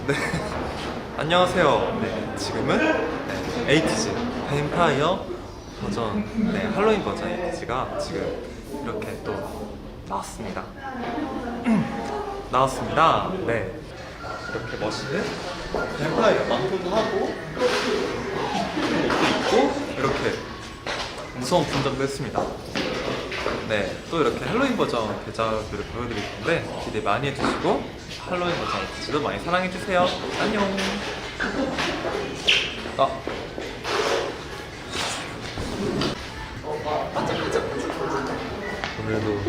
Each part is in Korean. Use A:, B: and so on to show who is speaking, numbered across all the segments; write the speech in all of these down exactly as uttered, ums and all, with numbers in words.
A: 네. 안녕하세요. 네, 지금은 네, 에이티즈 뱀파이어 버전, 네, 할로윈 버전 에이티즈가 지금 이렇게 또 나왔습니다. 나왔습니다. 네, 이렇게 멋있는 뱀파이어 망토도 하고 옷도 입고 이렇게 무서운 분장도 했습니다. 네, 또 이렇게 할로윈 버전 대작들을 보여드릴 건데 기대 많이 해주시고 할로윈 버전 에이티즈도 많이 사랑해주세요. 안녕. 아.
B: 오늘도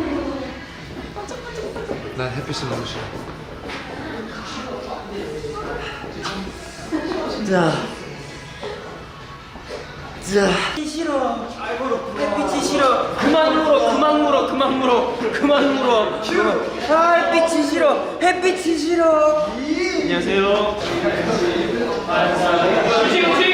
B: 난 햇빛이 너무 싫어.
C: 자, 자. 싫어. 햇빛이 싫어. 그만 물어, 그만 물어, 그만 물어, 그만 물어. 아, 햇빛이 싫어. 햇빛이 싫어. 안녕하세요. 지금 지금.